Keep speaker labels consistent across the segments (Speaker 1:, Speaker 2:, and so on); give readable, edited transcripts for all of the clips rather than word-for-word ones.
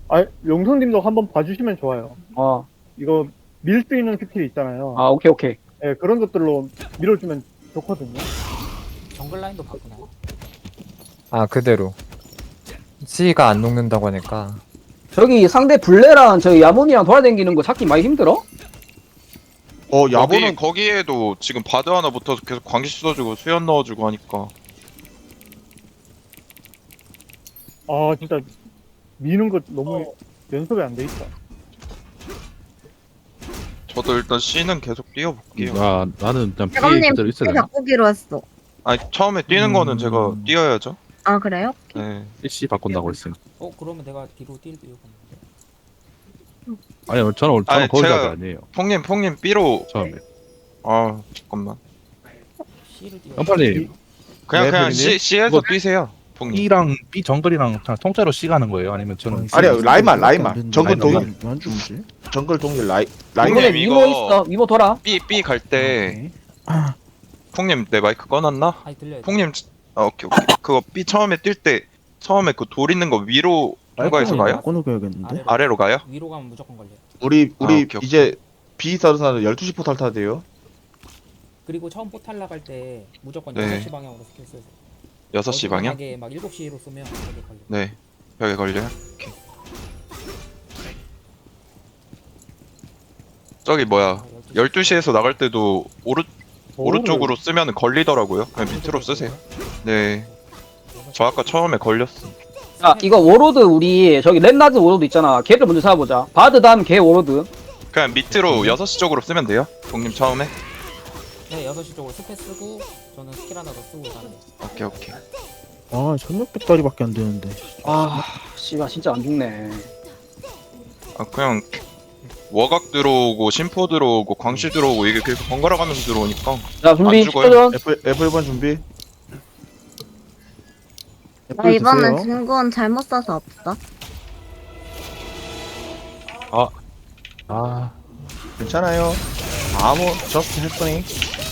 Speaker 1: 아, 용성님도 한번 봐주시면 좋아요.
Speaker 2: 어.
Speaker 1: 이거 밀 수 있는 스킬이 있잖아요.
Speaker 2: 아, 오케이, 오케이.
Speaker 1: 예, 그런 것들로 밀어주면 좋거든요.
Speaker 3: 정글 라인도 바꾸나요?
Speaker 4: 아 그대로 C가 안 녹는다고 하니까.
Speaker 2: 저기 상대 블레랑 저기 야몬이랑 돌아다니는 거 찾기 많이 힘들어?
Speaker 5: 야보는 거기에도 지금 바드 하나 붙어서 계속 광기 씻어주고 수연 넣어주고 하니까.
Speaker 1: 아, 진짜 미는 거 너무 연습이 안 돼 있다.
Speaker 5: 저도 일단 C는 계속 뛰어볼게요.
Speaker 6: 나는 그냥 피해
Speaker 7: 대감님
Speaker 6: 그대로 있어야 되나?
Speaker 7: 바꾸기로 했어.
Speaker 5: 아니 처음에 뛰는 거는 제가 뛰어야죠.
Speaker 7: 아 그래요?
Speaker 5: 네.
Speaker 6: CC 바꾼다고 했으니.
Speaker 3: 그러면 내가 뒤로 뛸 이유가 없는데.
Speaker 6: 아니 저는
Speaker 5: 아니,
Speaker 6: 거기
Speaker 5: 제가-
Speaker 6: 가게 아니에요.
Speaker 5: 퐁님 B로.
Speaker 6: 처음에.
Speaker 5: 아 잠깐만.
Speaker 3: C를 뛰어.
Speaker 6: 연팔님
Speaker 5: 그냥
Speaker 8: 네,
Speaker 5: C에서
Speaker 8: 뭐-
Speaker 5: 뛰세요. 퐁님.
Speaker 8: B랑 B 정글이랑 그냥 통째로 C 가는 거예요? 아니면 저는
Speaker 9: 아니요, 라인만. 정글
Speaker 8: 라인만.
Speaker 9: 동일.
Speaker 8: 안 죽지?
Speaker 9: 정글 동일 라인.
Speaker 2: 이번에
Speaker 5: 형님,
Speaker 2: 미모
Speaker 5: 이거-
Speaker 2: 있어. 미모 돌아.
Speaker 5: B 갈 때. 퐁님 내 마이크 꺼놨나?
Speaker 3: 아니 들려요.
Speaker 5: 퐁님 오케이. 그거 B 처음에 뛸 때 처음에 그 돌 있는 거 위로 통과해서 가요?
Speaker 8: 꺼놓겨야겠는데?
Speaker 5: 아래로 가요?
Speaker 3: 위로 가면 무조건 걸려요.
Speaker 9: 우리
Speaker 5: 오케이.
Speaker 9: 이제 B 서는 사람 12시 포탈 타야 돼요.
Speaker 3: 그리고 처음 포탈 나갈 때 무조건
Speaker 5: 네.
Speaker 3: 6시 방향으로 스킬 쓰세요.
Speaker 5: 6시 방향?
Speaker 3: 만약에 막 7시로 쏘면 거기 걸려.
Speaker 5: 네. 벽에 걸려요? 오케이. 저기 뭐야 12시에서 나갈 때도 오른쪽으로 쓰면 걸리더라고요. 그냥 밑으로 쓰세요. 네. 저 아까 처음에 걸렸어.
Speaker 2: 자, 이거 워로드 우리 저기 렛나드 워로드 있잖아. 걔를 먼저 잡아보자. 바드 다음 걔 워로드.
Speaker 5: 그냥 밑으로 6시 쪽으로 쓰면 돼요. 동님 처음에.
Speaker 3: 네, 6시 쪽으로 스페 쓰고 저는 스킬 하나 더 쓰고 가는
Speaker 5: 오케이.
Speaker 8: 아 천육 배터리밖에 안 되는데.
Speaker 2: 아, 씨발 진짜 안 죽네.
Speaker 5: 아 그냥 워각 들어오고 심포 들어오고 광시 들어오고 이게 계속 번갈아 가면서 들어오니까.
Speaker 2: 자, 준비
Speaker 5: 안 죽어요.
Speaker 2: 10초 전.
Speaker 9: F1 준비.
Speaker 7: 나 이번엔 증거는 잘못 써서 없어.
Speaker 6: 아
Speaker 9: 괜찮아요. 저스트 했더니.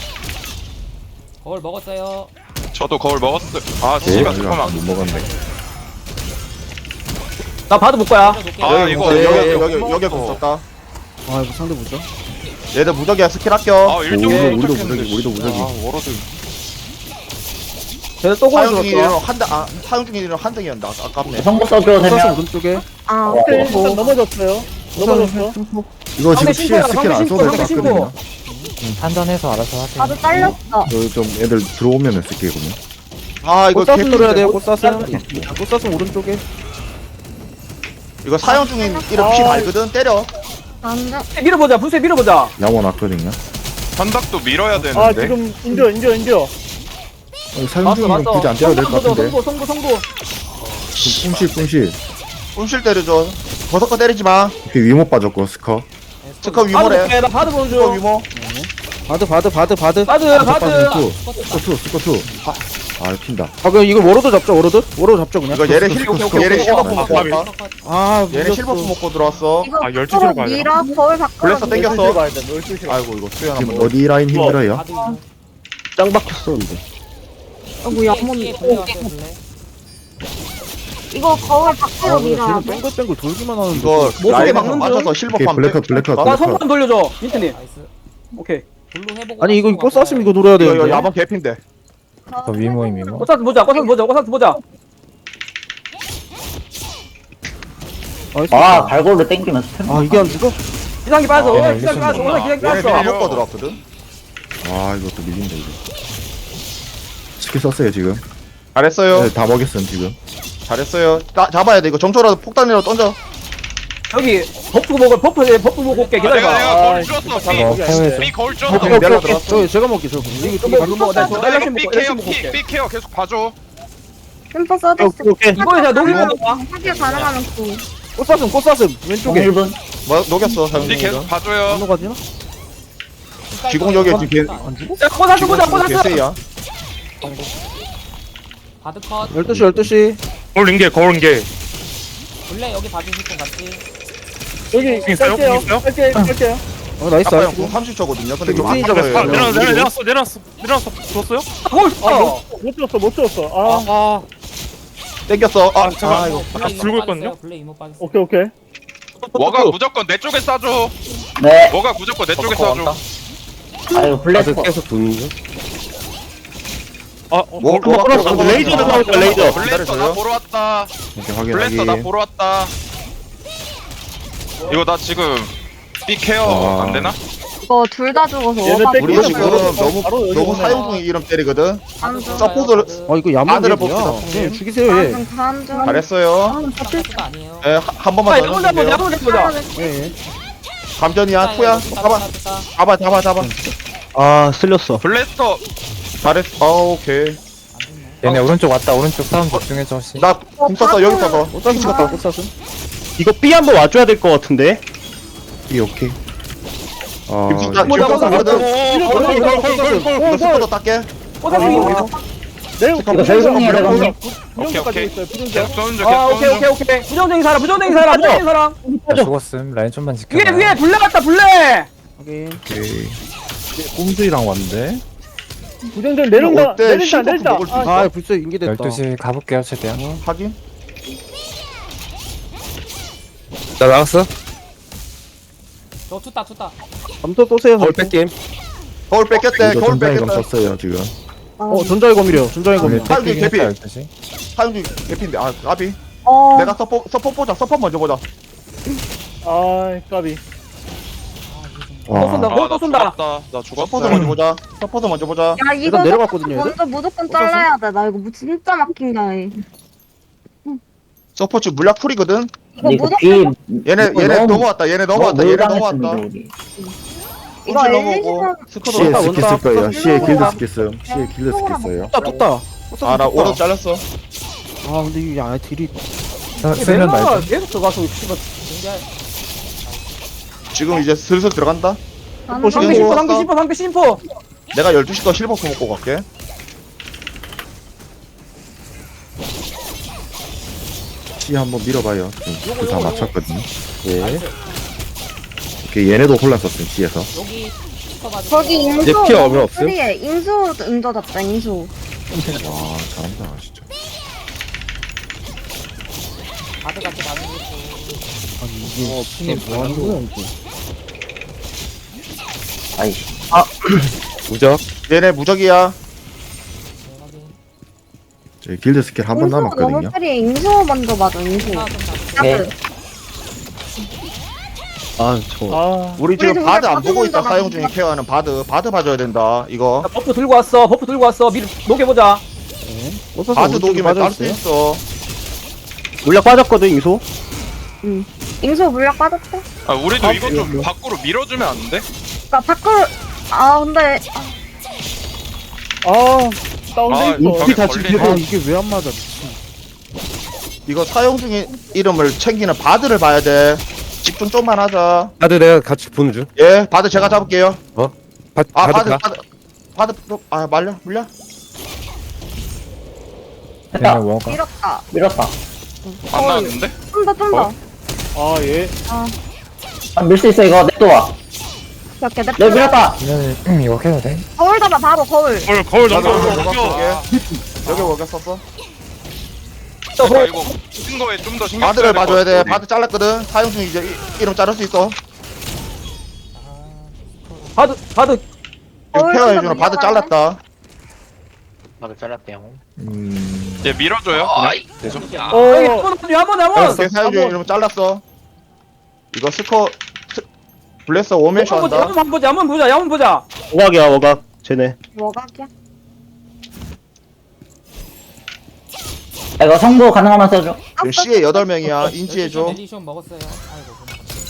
Speaker 3: 거울 먹었어요.
Speaker 5: 저도 거울 먹었어요. 아 씨가 잠깐만.
Speaker 6: 못 먹었네.
Speaker 2: 나 바드 볼 거야.
Speaker 5: 아 이거
Speaker 9: 여기 붙었다.
Speaker 8: 아 이거 상대 보자.
Speaker 9: 얘들 무적이야 스킬 아껴.
Speaker 5: 아 일종
Speaker 6: 우리도 무적이.
Speaker 5: 아 워러드.
Speaker 2: 쟤네 또
Speaker 9: 사용
Speaker 2: 걸어줬어.
Speaker 9: 중이랑 사용 중이랑 한 덩이였는데 아깝네.
Speaker 8: 써서 오른쪽에.
Speaker 7: 아
Speaker 1: 오케이, 일단 넘어졌어요. 넘어졌어.
Speaker 8: 이거
Speaker 2: 상대 신고야, 상대 신고, 상대 신고.
Speaker 4: 판단해서 알아서 하세요.
Speaker 7: 나도 잘렸어.
Speaker 6: 좀 애들 들어오면 쓸게거든요.
Speaker 9: 아 이거
Speaker 8: 꽃사슴
Speaker 9: 개꿀인데.
Speaker 8: 노려야 돼요. 꽃사슴. 꽃사슴 오른쪽에.
Speaker 9: 이거 사용 중인 이름 피 달거든. 때려.
Speaker 7: 완전
Speaker 2: 밀어보자. 분쇄 밀어보자.
Speaker 6: 양원 왔거든요.
Speaker 5: 현닥도 밀어야
Speaker 1: 아,
Speaker 5: 되는데.
Speaker 1: 지금 인져.
Speaker 6: 사용 중이면 굳이 안 때려도 될 것 같은데.
Speaker 2: 성부.
Speaker 6: 뿜실.
Speaker 9: 꿈실 때려줘. 버섯거 때리지 마.
Speaker 6: 이렇게 위모 빠졌고 스커.
Speaker 9: 스커
Speaker 2: 바드
Speaker 9: 위모래.
Speaker 2: 볼게. 나 바드 보는
Speaker 9: 스커
Speaker 2: 중.
Speaker 9: 위모.
Speaker 8: 바드.
Speaker 2: 바드.
Speaker 6: 스커 투. 아 핀다.
Speaker 8: 아 그럼 이걸 워로드 잡죠. 워로드 잡죠 그냥.
Speaker 9: 이거 얘를 얘를 실버프 먹고 왔다.
Speaker 8: 아
Speaker 9: 얘를 실버프 먹고 들어왔어.
Speaker 7: 이거 서로 밀어 거울 바꾸러
Speaker 9: 블레서 땡겼어.
Speaker 1: 12시로 가야 돼, 12시로.
Speaker 9: 아이고 이거 수연
Speaker 6: 지금
Speaker 9: 한번.
Speaker 6: 어디 라인 힘들어요?
Speaker 3: 바드 이거.
Speaker 8: 짱 박혔어 이거.
Speaker 7: 뭐야
Speaker 3: C에 블레 왔어요 블레.
Speaker 7: 이거 거울 바꾸러 밀어.
Speaker 8: 쟤는 뺑글뺑글 돌기만 하는데.
Speaker 9: 이거
Speaker 2: 목소리
Speaker 9: 라인에서
Speaker 2: 막는 중.
Speaker 9: 맞춰서 실버프
Speaker 6: 오케이,
Speaker 9: 하면
Speaker 6: 블랙.
Speaker 2: 나 성부 좀 돌려줘. 민트님.
Speaker 3: 나이스.
Speaker 2: 오케이.
Speaker 3: 블루 해보고.
Speaker 8: 아니 이거
Speaker 3: 바꾸고
Speaker 8: 꽃사슴 이거
Speaker 3: 갈까요?
Speaker 8: 노려야
Speaker 9: 이거
Speaker 8: 되는데.
Speaker 9: 야방 개핀데.
Speaker 4: 저 위모.
Speaker 2: 꽃사슴 보자.
Speaker 8: 아
Speaker 10: 발골로 땡기면서
Speaker 8: 아 이게 안 죽어?
Speaker 2: 기상기 빠져.
Speaker 4: 네,
Speaker 2: 기상기 빠져. 기상기
Speaker 9: 얘네 다
Speaker 2: 빠져.
Speaker 9: 먹고 들어왔거든.
Speaker 6: 아 이것도 밀린다 이거. 스킬 썼어요 지금.
Speaker 9: 잘했어요.
Speaker 6: 네, 다 먹였음 지금.
Speaker 9: 잘했어요. 잡아야 돼. 이거 정초라도 폭탄이라도 던져.
Speaker 2: 여기 버프 보고 올게. 기다려봐.
Speaker 5: 내가 거울 줬어.
Speaker 4: 태워야죠.
Speaker 5: B 거울 줬어.
Speaker 9: 오케이, 내가 들어왔어.
Speaker 8: 저 제가 먹기 저. 이거
Speaker 2: 저거 방금 먹어. 나
Speaker 5: 나 이거 B
Speaker 2: 열심히
Speaker 5: 케어
Speaker 2: 먹고 올게.
Speaker 5: B 케어 계속 봐줘.
Speaker 7: 템포 써줬어.
Speaker 8: 오케이.
Speaker 2: 이번에 제가 녹이면 봐.
Speaker 7: 하길 가능하면 구.
Speaker 8: 꽃사슴 왼쪽에.
Speaker 10: 1분
Speaker 9: 뭐 녹였어. 사용
Speaker 5: B
Speaker 9: 중이다.
Speaker 5: 계속 봐줘요.
Speaker 8: 안 녹아지나?
Speaker 9: 지공적에 지금
Speaker 8: 안 죽어?
Speaker 2: 자, 꼬사슴 보자.
Speaker 9: 개세야.
Speaker 3: 바드 컷.
Speaker 8: 12시.
Speaker 6: 거울인게.
Speaker 3: 블레 여기 봐주실 분 같이.
Speaker 1: 여기 깔게요. 깔게요.
Speaker 8: 나이스.
Speaker 9: 아까 형 30초거든요. 근데 이거
Speaker 8: 육진이 잡아요.
Speaker 6: 내려놨어. 줬어요?
Speaker 2: 뭐 있어?
Speaker 1: 못 줬어. 아,
Speaker 9: 땡겼어. 아,
Speaker 8: 이거
Speaker 1: 불고 있거든요?
Speaker 3: 블레 이모 빠졌어요.
Speaker 1: 오케이 오케이.
Speaker 5: 워가 무조건 내 쪽에 쏴줘.
Speaker 2: 네.
Speaker 5: 워가 무조건 내 쪽에 쏴줘.
Speaker 2: 아유 블레스.
Speaker 4: 계속 도는 중.
Speaker 9: 뭐 레이저 나올까 레이저.
Speaker 5: 블레스터 나 보러 왔다.
Speaker 6: 이렇게 확인
Speaker 5: 블레스터 나
Speaker 6: 확인.
Speaker 5: 보러 왔다. 이거 나 지금 B 케어
Speaker 6: 아.
Speaker 5: 안 되나?
Speaker 7: 이거 둘 다 죽어서
Speaker 1: 얘네
Speaker 7: 오바.
Speaker 1: 뺏기고
Speaker 9: 우리 지금
Speaker 1: 바로 여기
Speaker 9: 너무
Speaker 1: 오네.
Speaker 9: 사용 중인 이름 때리거든.
Speaker 7: 안 죽어.
Speaker 9: 서포트를
Speaker 8: 이거 야무지게
Speaker 9: 아들을
Speaker 8: 뭐야.
Speaker 9: 봅시다.
Speaker 8: 네, 죽이세요 얘.
Speaker 7: 다음 중.
Speaker 9: 잘했어요.
Speaker 3: 거 아니에요.
Speaker 9: 예, 한 번만
Speaker 2: 아
Speaker 9: 더
Speaker 2: 야문 잡보자.
Speaker 9: 해주세요.
Speaker 2: 야문 잡보자.
Speaker 8: 예.
Speaker 9: 감전이야, 투야. 잡아.
Speaker 8: 아 쓸렸어.
Speaker 5: 블레스터
Speaker 9: 잘했어. 오케이.
Speaker 4: 얘네 오른쪽 왔다. 오른쪽 싸움 집중해줘. 씨.
Speaker 9: 나궁 썼어, 여기 썼어.
Speaker 8: 꽃사슴 같다 꽃사슴.
Speaker 10: 이거 B 한번 와줘야 될 것 같은데.
Speaker 6: 이 오케이. 아
Speaker 9: 지금 숫자
Speaker 2: 뭐
Speaker 9: 지금
Speaker 2: 잡았어?
Speaker 9: 썼거든. 이거 스쿼드 닦게.
Speaker 2: 꼬사슴 이거.
Speaker 1: 이거
Speaker 2: 저희공이야, 내가.
Speaker 5: 오케이,
Speaker 1: 부정까지
Speaker 5: 오케이.
Speaker 1: 있어요. 부정자.
Speaker 5: 계속 쏘는 중
Speaker 2: 아
Speaker 5: 계속
Speaker 2: 오케이
Speaker 5: 쏘는 중.
Speaker 2: 오케이. 부정적인 사람 부정적인 사람.
Speaker 4: 나 죽었음. 라인 좀만 지켜.
Speaker 2: 위에 블레 갔다 블레.
Speaker 8: 확인.
Speaker 6: 오케이. 꼼수이랑 왔는데.
Speaker 1: 부정자 내린다.
Speaker 9: 어때?
Speaker 1: 내린다.
Speaker 9: 신곡
Speaker 1: 내린다.
Speaker 9: 먹을 수 있어?
Speaker 8: 아 불써 인기됐다.
Speaker 4: 12시 가볼게요 최대한.
Speaker 9: 확인.
Speaker 10: 나 나갔어.
Speaker 3: 저 투따.
Speaker 8: 감도 쏘세요.
Speaker 10: 거울 뺄게임.
Speaker 9: 거울 뺏겼대.
Speaker 6: 이거
Speaker 9: 거울
Speaker 6: 전자이감
Speaker 9: 뺏겼대.
Speaker 6: 썼어요 지금.
Speaker 8: 전자의 검이래요. 전자의 검.
Speaker 9: 사용 중 개피.
Speaker 4: 12시.
Speaker 9: 사용 중 개피인데. 아, 까비.
Speaker 7: 어.
Speaker 9: 내가 서포 보자. 서포 먼저 보자.
Speaker 1: 아 까비.
Speaker 2: 또 쏜다.
Speaker 6: 와.
Speaker 2: 또 쏜다.
Speaker 5: 나
Speaker 9: 서포트
Speaker 5: 죽었어.
Speaker 9: 먼저 보자. 서포트 먼저 보자.
Speaker 7: 야 이거
Speaker 8: 일단 내려갔거든요,
Speaker 7: 먼저 무조건 잘라야 돼. 나 이거 진짜 막힌다.
Speaker 9: 서포트 물약 풀이거든.
Speaker 7: 이거 무조건
Speaker 9: 얘네 넘어왔다. 얘네 넘어왔다.
Speaker 7: 이거
Speaker 9: 움찔
Speaker 7: 엘리시
Speaker 9: 넘어오고 스쿼드
Speaker 6: C에
Speaker 9: 넘어왔다.
Speaker 6: 스킬 쓸 거예요. C에
Speaker 7: 원탑.
Speaker 6: 길드 스킬 써요. C에 길드 스킬 써요.
Speaker 8: 떴다.
Speaker 9: 아, 나 오른 잘렸어.
Speaker 8: 아 근데 이게 아 딜이.
Speaker 4: 쓰면
Speaker 2: 멜로가
Speaker 4: 말자.
Speaker 2: 계속 들어가서 씨발.
Speaker 9: 지금 이제 슬슬 들어간다.
Speaker 7: 나는
Speaker 9: 지금
Speaker 2: 방패
Speaker 9: 뭐-
Speaker 2: 심포 방패 심포.
Speaker 9: 내가 12시 거 실버 먹고 갈게.
Speaker 6: C 한번 밀어봐요. 지금 다 맞췄거든요. 예. 오케이 얘네도 혼란 썼음 C에서.
Speaker 3: 여기 스커 봐주세요.
Speaker 7: 저기 인수
Speaker 10: 이제 피어 얼마 없음?
Speaker 7: 프리에 인수 응저 잡자 인수.
Speaker 6: 와 잘한다 진짜.
Speaker 3: 바드 같이 나누고 있고.
Speaker 8: 아니 이게 뭐 하는 거야 이게.
Speaker 10: 무적.
Speaker 9: 얘네 무적이야.
Speaker 3: 네, 확인.
Speaker 6: 저희 길드 스킬 한 번
Speaker 7: 인수 너무
Speaker 6: 남았거든요.
Speaker 7: 프리에 인수 먼저 맞아 인수.
Speaker 3: 하나 좀 잡으세요.
Speaker 7: 네.
Speaker 1: 아
Speaker 9: 우리 지금
Speaker 7: 우리
Speaker 9: 바드 안
Speaker 7: 바드
Speaker 9: 보고 있다.
Speaker 7: 먼저
Speaker 9: 사용 중인 케어하는 바드 봐줘야 된다. 이거
Speaker 2: 야, 버프 들고 왔어. 밀 녹여보자.
Speaker 9: 바드 녹이면 딸 수 있어.
Speaker 10: 물약 빠졌거든 이소.
Speaker 7: 인수 물약 빠졌대.
Speaker 5: 아 우리도 이거 좀 밖으로 밀어주면 안 돼?
Speaker 7: 그니까 밖으로 아 근데
Speaker 1: 다운돼 있어.
Speaker 5: 벽에
Speaker 10: 다
Speaker 5: 걸리네.
Speaker 8: 아 이게 왜 안 맞아? 미친.
Speaker 9: 이거 사용 중인 이름을 챙기는 바드를 봐야 돼. 집중 좀만 하자.
Speaker 10: 다들 내가 같이 보는 중.
Speaker 9: 예, 바드 제가 잡을게요. 아,
Speaker 10: 바드 가.
Speaker 9: 바드 아 물려.
Speaker 4: 얘네 워가.
Speaker 7: 밀었다.
Speaker 5: 안 나왔는데?
Speaker 7: 좀 더.
Speaker 1: 아 예.
Speaker 2: 밀 수 있어 이거 냅둬와.
Speaker 7: 이렇게 내
Speaker 4: 얘네 이거 해도 돼?
Speaker 7: 거울 잡아 바로 거울.
Speaker 1: 거울
Speaker 9: 여기
Speaker 1: 넘겨.
Speaker 9: 여기 뭐가 썼어?
Speaker 5: 아 이거 큰 거에 좀 더 신경
Speaker 9: 바드를
Speaker 5: 써야
Speaker 9: 봐줘야 돼.
Speaker 5: 될것 같아,
Speaker 9: 바드 잘랐거든. 사용 중 이제 이름 자를 수 있어.
Speaker 2: 바드
Speaker 9: 지금
Speaker 7: 거울
Speaker 9: 케어해주는
Speaker 7: 좀
Speaker 9: 바드
Speaker 7: 넘겨가네.
Speaker 9: 잘랐다.
Speaker 5: 얘 밀어줘요. 그냥.
Speaker 2: 한번
Speaker 9: 오케이, 사용 중 이름 잘랐어. 이거 블레스 오메시 한다.
Speaker 2: 한번 보자.
Speaker 10: 오각이야 오각. 쟤네.
Speaker 7: 뭐각이야?
Speaker 2: 이거 성보 가능하면 써줘.
Speaker 9: 지금 C에 8명이야. 인지해줘.
Speaker 3: 엘리션 먹었어요. 아이고.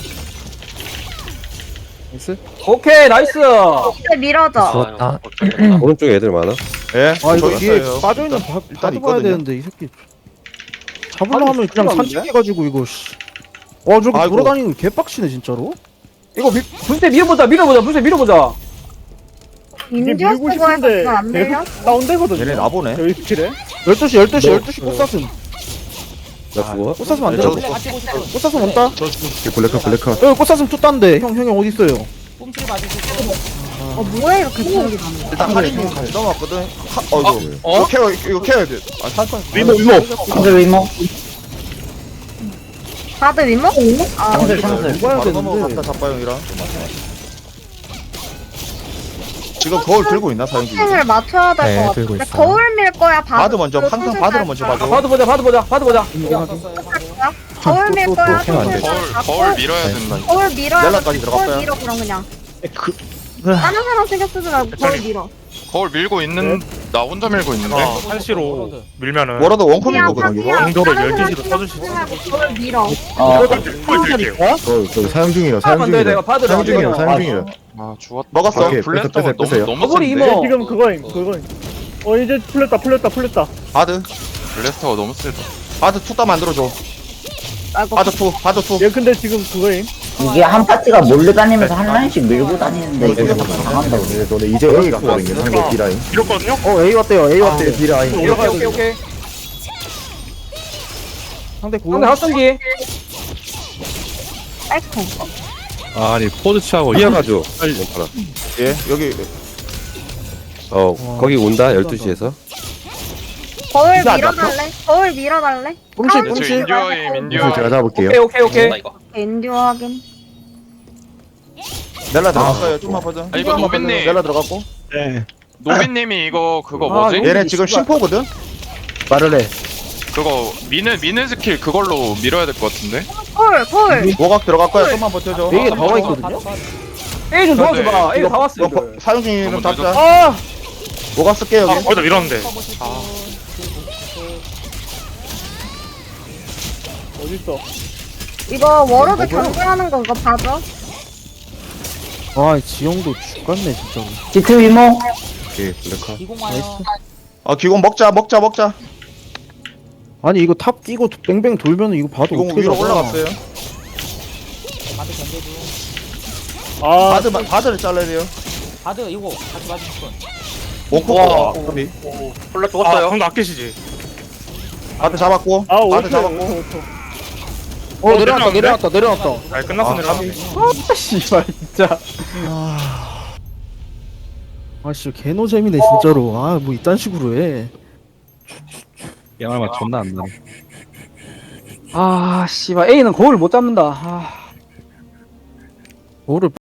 Speaker 2: 오케이 나이스.
Speaker 7: 이제 밀어줘.
Speaker 4: 죽었다.
Speaker 10: 오른쪽에 애들 많아.
Speaker 9: 예.
Speaker 8: 아 이거
Speaker 9: 저기
Speaker 8: 뒤에
Speaker 9: 있어요.
Speaker 8: 빠져있는
Speaker 9: 일단
Speaker 8: 바드 봐야
Speaker 9: 있거든요.
Speaker 8: 되는데 이 새끼. 잡으려 하면 그냥
Speaker 2: 죽었는데?
Speaker 8: 산책해가지고 이거 씨. 와 저렇게
Speaker 9: 아이고.
Speaker 8: 돌아다니는 게 개빡치네 진짜로.
Speaker 2: 이거 불새 밀어보자. 불새 밀어보자.
Speaker 7: 인디어
Speaker 1: 밀고
Speaker 7: 쓰고 해서
Speaker 1: 싶은데
Speaker 7: 그거 안 밀려?
Speaker 1: 계속 다운되거든요.
Speaker 9: 얘네 나보네.
Speaker 1: 여기 스킬에.
Speaker 8: 12시 꽃사슴.
Speaker 10: 나 죽어.
Speaker 8: 꽃사슴 안
Speaker 9: 네,
Speaker 8: 돼.
Speaker 9: 저도
Speaker 3: 블레 같이 보세요.
Speaker 8: 꽃사슴 온다.
Speaker 6: 블랙컷 블랙컷.
Speaker 8: 여기 꽃사슴 투딴데 형이 어디 있어요?
Speaker 3: 꼼치를 봐주시고.
Speaker 7: 뭐야 이렇게 기억이 나는 거야?
Speaker 9: 일단 하리님 같이 넘어왔거든. 이거 케어야 돼. 아, 살짝.
Speaker 1: 위모.
Speaker 2: 상대 위모.
Speaker 7: 다들 위모? 아,
Speaker 2: 상대 상대.
Speaker 9: 바로 넘어갔다 잡바형이랑. 지금 거울 들고 있나 사용 중에?
Speaker 7: 을 맞춰야 될
Speaker 4: 네,
Speaker 7: 것
Speaker 4: 들고
Speaker 7: 같은데
Speaker 4: 있어요.
Speaker 7: 거울 밀 거야 바드?
Speaker 9: 바드 먼저 항상 바드를 먼저 봐줘.
Speaker 2: 바드 보자 바드 보자 바드 보자.
Speaker 7: 거울 밀 거야
Speaker 4: 또 안 돼.
Speaker 5: 거울 밀어야 된다.
Speaker 7: 거울 밀어야
Speaker 9: 넬라까지
Speaker 7: 거울
Speaker 9: 들어갔어요.
Speaker 7: 밀어 그럼 그냥 다른 사람 신경 쓰지 말고 거울 밀어
Speaker 5: 거울 밀고 있는 나 혼자 밀고 있는데.
Speaker 3: 한시로
Speaker 1: 밀면은
Speaker 9: 뭐라도 원컴인 거거든 이거.
Speaker 1: 영도를
Speaker 7: 다른
Speaker 1: 12시로
Speaker 7: 사람
Speaker 1: 써줄 수
Speaker 7: 신경 쓰지 말고 거울 밀어
Speaker 6: 저기 사용 중이라 사용
Speaker 2: 하면 돼,
Speaker 6: 중이라
Speaker 2: 내가 받으러
Speaker 6: 사용 중이라
Speaker 2: 갈게요.
Speaker 6: 사용 중이라
Speaker 5: 아 죽었다.
Speaker 9: 먹었어.
Speaker 6: 오케이,
Speaker 5: 블래스터가
Speaker 6: 빼세요.
Speaker 5: 너무
Speaker 2: 거울이
Speaker 5: 센데.
Speaker 2: 이모.
Speaker 1: 지금 그거임. 이제 풀렸다.
Speaker 9: 바드.
Speaker 5: 블래스터가 너무 세다.
Speaker 9: 바드 투다 만들어줘.
Speaker 7: 아이고
Speaker 9: 바드 투.
Speaker 1: 얘 근데 지금 그거임.
Speaker 11: 이게 한 파티가 몰려다니면서 한 라인씩 밀고 다니는데 이게 강한다고.
Speaker 6: 너네 이제 A 갔거든요 상대 B라인
Speaker 1: 밀었거든요?
Speaker 8: A 왔대요 A 왔대.
Speaker 6: B라인
Speaker 2: 오케이.
Speaker 8: 상대 구.
Speaker 2: 상대 합성기.
Speaker 7: 아이고
Speaker 10: 아니 포즈 취하고 이어가죠. 몽파라.
Speaker 9: 예 여기
Speaker 10: 거기 온다 12시에서.
Speaker 7: 거울
Speaker 9: 이거 안
Speaker 7: 밀어달래? 거울 밀어달래?
Speaker 8: 뿜실
Speaker 5: 저
Speaker 8: 뿜실.
Speaker 5: 인듀어임
Speaker 6: 무술
Speaker 5: 인듀어.
Speaker 6: 제가 잡을게요
Speaker 2: 오케이.
Speaker 7: 엔듀어 확인
Speaker 9: 넬라 들어갔어요. 좀만 보자.
Speaker 5: 아, 이거 노빈님.
Speaker 9: 넬라 들어갔고.
Speaker 5: 노빈님이 이거 그거
Speaker 2: 아,
Speaker 5: 뭐지?
Speaker 2: 노빈.
Speaker 9: 얘네 지금 심포거든.
Speaker 8: 말을 해.
Speaker 5: 그거 미는 스킬 그걸로 밀어야 될 것 같은데.
Speaker 7: 거울
Speaker 9: 모각 들어갈 거야. 좀만 버텨줘.
Speaker 8: A에 나와 있거든요.
Speaker 2: A 좀 도와줘봐. A 다 왔어.
Speaker 9: 이거 사용 중인 이름
Speaker 5: 너무
Speaker 9: 잡자.
Speaker 2: 아
Speaker 9: 모각 쓸게 여기.
Speaker 1: 거기다 밀었는데. 어딨어?
Speaker 7: 이거 워로드 경고하는 거 이거 봐줘
Speaker 8: 아 지영도 죽겠네 진짜로.
Speaker 11: 지트 위모.
Speaker 6: 오케이 블랙카
Speaker 3: 기공 와요.
Speaker 9: 기공 먹자.
Speaker 8: 아니 이거 탑 끼고 뱅뱅 돌면 이거 봐도
Speaker 9: 기공
Speaker 8: 어떻게
Speaker 9: 위로
Speaker 8: 잡아.
Speaker 9: 올라갔어요.
Speaker 3: 바드 견제주.
Speaker 9: 바드를 잘라야 돼요.
Speaker 3: 바드 이거 같이 맞으실 분.
Speaker 9: 원코어.
Speaker 1: 원래 죽었어요. 형도 아끼시지.
Speaker 9: 바드 잡았고. 바드 잡았고.
Speaker 8: 내려놨다.
Speaker 1: 아 끝났어 내려왔네.
Speaker 8: 아 씨발 진짜. 아씨 개노잼이네 진짜로. 아 뭐 이딴 식으로 해.
Speaker 10: 양말만 존나 안 나네.
Speaker 2: 아 씨발 A는 거울 못 잡는다. 아.
Speaker 8: 뭐를